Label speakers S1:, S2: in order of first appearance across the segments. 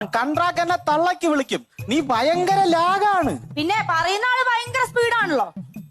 S1: Contract എന്നെ തള്ളക്ക് വിളിക്കും. നീ ഭയങ്കര ലാഗാണ്.
S2: പിന്നെ പറയുന്ന ആള് ഭയങ്കര സ്പീഡാണല്ലോ.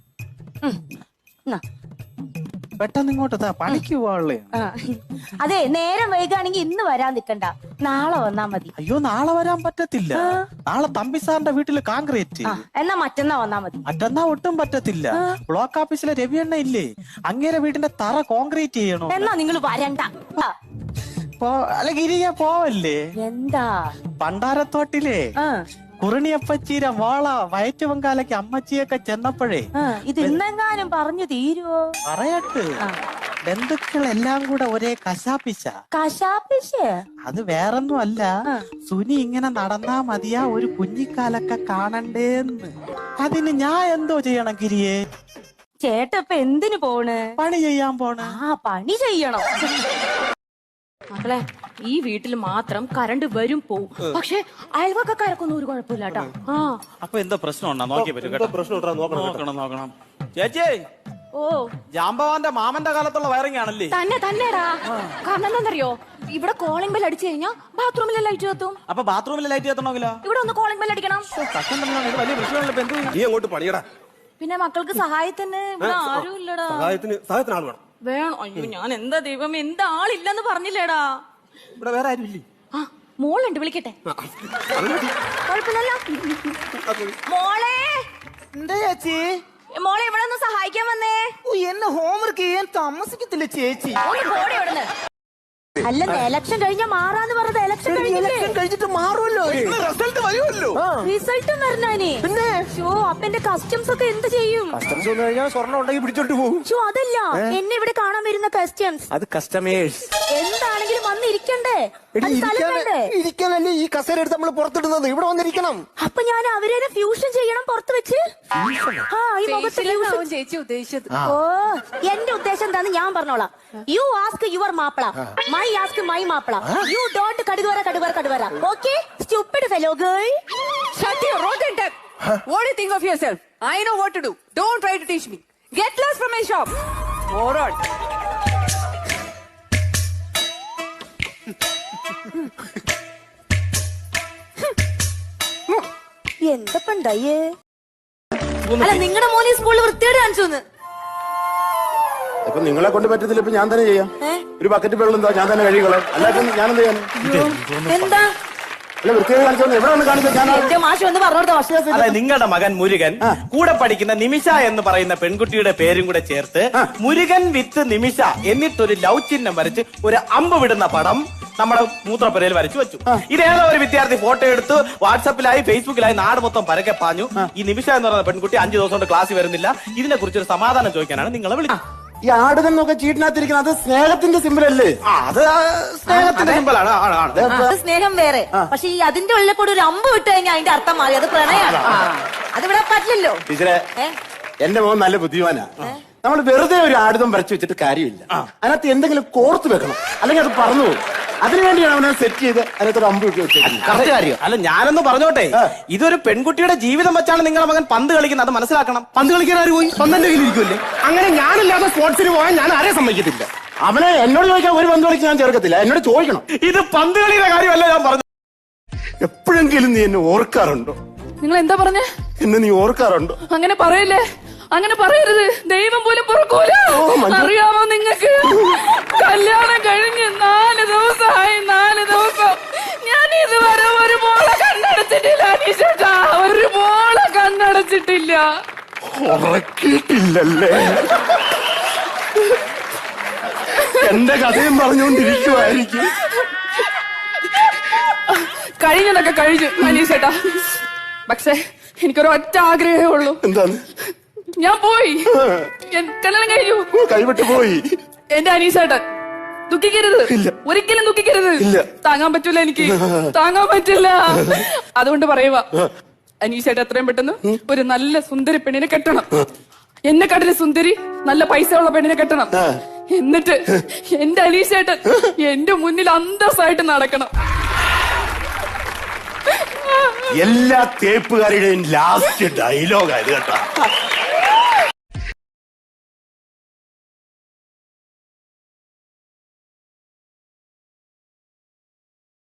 S1: പെട്ടെന്ന് ഇങ്ങോട്ട് പണിക്ക് പോവാളേ.
S2: അതെ, നേരം വൈകാണെങ്കിൽ ഇന്ന് വരാൻ നിക്കണ്ട, നാളെ വന്നാ മതി.
S1: അയ്യോ, നാളെ വരാൻ പറ്റത്തില്ല. നാളെ തമ്പി സാറിന്റെ വീട്ടില് കോൺക്രീറ്റ്.
S2: എന്നാ മറ്റന്നാ വന്നാ മതി.
S1: മറ്റന്നാ ഒട്ടും പറ്റത്തില്ല. ബ്ലോക്ക് ഓഫീസിലെ രവിയണ്ണ ഇല്ലേ, അങ്ങേരെ വീടിന്റെ തറ കോൺക്രീറ്റ് ചെയ്യണോ.
S2: എന്നാ നിങ്ങൾ വരണ്ട.
S1: അല്ല ഗിരിയ പോവല്ലേ.
S2: എന്താ?
S1: പണ്ടാരത്തോട്ടിലെ കുറിണിയപ്പച്ചീരെ വാള വയറ്റ് പൊങ്കാലയ്ക്ക് അമ്മച്ചിയൊക്കെ ചെന്നപ്പോഴേ
S2: ഇത് ഇന്നെങ്ങാനും പറഞ്ഞു തീരുവോ?
S1: പറയട്ട്, ബന്ധുക്കളെല്ലാം കൂടെ ഒരേ കശാപ്പിശ. അത് വേറൊന്നും അല്ല, സുനി ഇങ്ങനെ നടന്നാ മതിയാ ഒരു കുഞ്ഞിക്കാലൊക്കെ കാണണ്ടേന്ന്. അതിന് ഞാൻ എന്തോ ചെയ്യണം ഗിരിയെ?
S2: ചേട്ടപ്പ എന്തിനു പോണ്?
S1: പണി ചെയ്യാൻ പോണ്.
S2: പണി ചെയ്യണം.
S3: മക്കളെ, ഈ വീട്ടിൽ മാത്രം കറണ്ട് വരും പോവും, പക്ഷെ അയൽവക്കക്കാർക്കൊന്നും ഒരു കുഴപ്പമില്ല കേട്ടോ.
S1: അപ്പൊ എന്താ പ്രശ്നം ഉണ്ടോ നോക്കിയേ പറ്റും. നോക്കണം ചേച്ചി.
S3: ഓ,
S1: ജാമ്പവാന്റെ മാമന്റെ കാലത്തുള്ള വയറിംഗ് ആണല്ലേ?
S3: തന്നെടാ. കാരണം എന്താണെന്നറിയോ, ഇവിടെ കോളിംഗ് ബെൽ അടിച്ചു കഴിഞ്ഞാൽ ബാത്റൂമിലെ ലൈറ്റ് കത്തും.
S1: അപ്പൊ ബാത്റൂമിലെ ലൈറ്റ് കത്തണമെങ്കിലോ
S3: ഇവിടെ ഒന്ന് കോളിംഗ് ബെൽ അടിക്കണം.
S1: വലിയ പ്രശ്നമല്ല.
S4: നീ അങ്ങോട്ട് പണിയടാ.
S3: പിന്നെ മക്കൾക്ക് സഹായത്തിന് ഇവിടെ ആരും ഇല്ലടാ.
S4: സഹായത്തിന് ആൾ വേണം.
S3: വേണം. അയ്യോ, ഞാൻ എന്താ ദൈവം, എന്താ ആളില്ലെന്ന് പറഞ്ഞില്ലേടാ.
S4: ഇവിടെ വേറെ ആരും ഇല്ലേ?
S3: മോളുണ്ട്, വിളിക്കട്ടെ. കുഴപ്പമില്ലല്ലോ. മോളെ,
S5: എന്താ ചേച്ചി?
S3: മോളെ ഇവിടെ ഒന്ന് സഹായിക്കാൻ വന്നേ.
S5: എന്നെ ഹോംവർക്ക് ചെയ്യാൻ താമസിക്കത്തില്ല ചേച്ചി.
S2: അല്ല, എലക്ഷൻ കഴിഞ്ഞാ മാറാന്ന് പറഞ്ഞത് ഇലക്ഷൻ
S5: കഴിഞ്ഞിട്ട് മാറുമല്ലോ, റിസൾട്ട് വരുമല്ലോ.
S2: റിസൾട്ടും വരണേ.
S5: പിന്നെ
S2: അപ്പൊ എന്റെ കസ്റ്റംസ് ഒക്കെ എന്ത് ചെയ്യും?
S5: കസ്റ്റംസ് വന്നു കഴിഞ്ഞാൽ സ്വർണ്ണം ഉണ്ടെങ്കിൽ പിടിച്ചോണ്ട് പോകും.
S2: അതല്ല, എന്നെ ഇവിടെ കാണാൻ വരുന്ന കസ്റ്റംസ്.
S5: അത് കസ്റ്റമേഴ്സ്
S2: എന്താണെങ്കിലും വന്നിരിക്കണ്ടേ?
S5: ഇരിക്കാനല്ലേ ഈ കസേര എടുത്ത് നമ്മൾ പുറത്തിടുന്നത്. ഇവിടെ വന്നിരിക്കണം.
S2: അപ്പൊ ഞാൻ അവരെ ഫ്യൂഷൻ ചെയ്യണം പുറത്ത് വെച്ച്.
S3: ചേച്ചി ഉദ്ദേശിച്ചത്.
S2: ഓ, എന്റെ ഉദ്ദേശം എന്താന്ന് ഞാൻ പറഞ്ഞോളാം. യു ആസ്ക് യുവർ മാപ്പിള, മൈ ആസ്ക് മൈ മാപ്പിള. യു ഡോണ്ട് കടുവര. Okay, stupid fellow girl.
S6: Shut your rotten tongue. What do you think of yourself? I know what to do. Don't try to teach me. Get lost from my shop. Moron.
S2: എന്തപ്പണ്ടായേ? അല്ല, നിങ്ങളുടെ മോനെ സ്കൂളിൽ വൃത്തിയോട് കാണിച്ചു.
S4: ഇപ്പൊ നിങ്ങളെ കൊണ്ട് പറ്റത്തില്ല. ഇപ്പൊ ഞാൻ തന്നെ ചെയ്യാം. ഒരു ബക്കറ്റ് വെള്ളം എന്താ, ഞാൻ തന്നെ കഴുകിക്കളാം. അല്ലാതെ ഞാൻ എന്ത് ചെയ്യാൻ?
S2: എന്താ?
S4: അല്ല, വൃത്തിയോട് കാണിച്ചോ. എവിടെ വന്ന് കാണിച്ചോ?
S1: അതെ, നിങ്ങളുടെ മകൻ മുരുകൻ കൂടെ പഠിക്കുന്ന നിമിഷ എന്ന് പറയുന്ന പെൺകുട്ടിയുടെ പേരും കൂടെ ചേർത്ത് മുരുകൻ വിത്ത് നിമിഷ എന്നിട്ടൊരു ലവ് ചിഹ്നം വരച്ച് ഒരു അമ്പ് വിടുന്ന പടം നമ്മുടെ മൂത്രപ്പുരയിൽ വരച്ചു വെച്ചു. ഇതേതോ ഒരു വിദ്യാർത്ഥി ഫോട്ടോ എടുത്ത് വാട്സാപ്പിലായി ഫേസ്ബുക്കിലായി നാട് മൊത്തം പരക്കെ പാഞ്ഞു. ഈ നിമിഷ എന്ന് പറയുന്ന പെൺകുട്ടി 5 ദിവസം കൊണ്ട് ക്ലാസ്സിൽ വരുന്നില്ല. ഇതിനെ കുറിച്ചൊരു സമാധാനം ചോദിക്കാനാണ് നിങ്ങളെ വിളിച്ചത്.
S4: ഈ ആടുകന്നൊക്കെ ചീട്ടിനകത്തിരിക്കുന്നത് അത് സ്നേഹത്തിന്റെ സിമ്പിൾ അല്ലേ?
S1: അത് സ്നേഹത്തിന്റെ സിമ്പിളാണ്.
S2: സ്നേഹം വേറെ, പക്ഷെ ഈ അതിന്റെ ഉള്ളിൽ കൂടെ ഒരു അമ്പ് വിട്ട് കഴിഞ്ഞാൽ അതിന്റെ അർത്ഥം മാറി. അത് പ്രണയാണ്. അതിവിടെ പറ്റില്ലല്ലോ.
S4: ടീച്ചറെ, എന്റെ മോൻ നല്ല ബുദ്ധിമാനാ. നമ്മൾ വെറുതെ ഒരു ആടുതം വരച്ചു വെച്ചിട്ട് കാര്യമില്ല. അതിനകത്ത് എന്തെങ്കിലും കോർത്ത് വെക്കണം, അല്ലെങ്കിൽ അത് പറന്നു പോകും. അതിനുവേണ്ടിയാണ് അവനെ സെറ്റ് ചെയ്ത് അതിനകത്തൊരു അമ്പ് ഇട്ട് വെച്ചത്.
S1: അല്ല, ഞാനൊന്ന് പറഞ്ഞോട്ടെ, ഇതൊരു പെൺകുട്ടിയുടെ ജീവിതം വെച്ചാണ് നിങ്ങളുടെ മകൻ പന്ത് കളിക്കുന്നത്. അത് മനസ്സിലാക്കണം.
S4: പന്ത് കളിക്കാൻ ആര് പോയി? പന്തിന്റെ കയ്യിലിരിക്കുമല്ലേ? അങ്ങനെ ഞാനില്ലാതെ സ്പോർട്സിന് പോകാൻ ഞാൻ ആരെ സമ്മതിക്കത്തില്ല. അവനെ എന്നോട് ചോദിക്കാൻ ഒരു പന്ത് കളിക്ക് ഞാൻ ചേർക്കത്തില്ല. എന്നോട് ചോദിക്കണം.
S1: ഇത് പന്ത് കളിയുടെ കാര്യമല്ല ഞാൻ പറഞ്ഞു.
S4: എപ്പോഴെങ്കിലും നീ എന്നെ ഓർക്കാറുണ്ടോ?
S6: നിങ്ങൾ എന്താ പറഞ്ഞേ?
S4: എന്നെ നീ ഓർക്കാറുണ്ടോ?
S6: അങ്ങനെ പറയല്ലേ, അങ്ങനെ പറയരുത്. ദൈവം പോലും പൊറുക്കൂല. അറിയാമോ നിങ്ങൾക്ക്, കല്യാണം കഴിഞ്ഞ് 4 ദിവസമായി. 4 ദിവസം ഞാൻ ഇതുവരെ ഒരു മോളെ കണ്ണടച്ചിട്ടില്ല. അനീഷേട്ടാ, ഒരു മോളെ കണ്ണടച്ചിട്ടില്ല.
S4: ഉറക്കിയിട്ടില്ലല്ലേ? എന്റെ കഥയും പറഞ്ഞുകൊണ്ടിരിക്കുവായിരിക്കും.
S6: കഴിഞ്ഞതൊക്കെ കഴിഞ്ഞു അനീഷേട്ടാ. പക്ഷെ എനിക്കൊരു ഒറ്റ ആഗ്രഹമേ ഉള്ളൂ.
S4: എന്താണ്?
S6: ഞാൻ പോയി, കല്യാണം കഴിഞ്ഞു,
S4: കൈവിട്ട് പോയി.
S6: എന്റെ അനീഷേട്ടൻ ദുഃഖിക്കരുത്, ഒരിക്കലും ദുഃഖിക്കരുത്. താങ്ങാൻ പറ്റൂല, എനിക്ക് താങ്ങാൻ പറ്റില്ല. അതുകൊണ്ട് പറയുക, അനീഷേട്ടൻ എത്രയും പെട്ടെന്ന് ഒരു നല്ല സുന്ദരി പെണ്ണിനെ കെട്ടണം. എന്നെക്കാട്ടിലും സുന്ദരി നല്ല പൈസ ഉള്ള പെണ്ണിനെ കെട്ടണം. എന്നിട്ട് എന്റെ അനീഷേട്ടൻ എന്റെ മുന്നിൽ അന്തസ്സായിട്ട് നടക്കണം.
S4: എല്ലാ തേപ്പുകാരുടെയും ലാസ്റ്റ് ഡയലോഗ് ആയത് കേട്ടോ.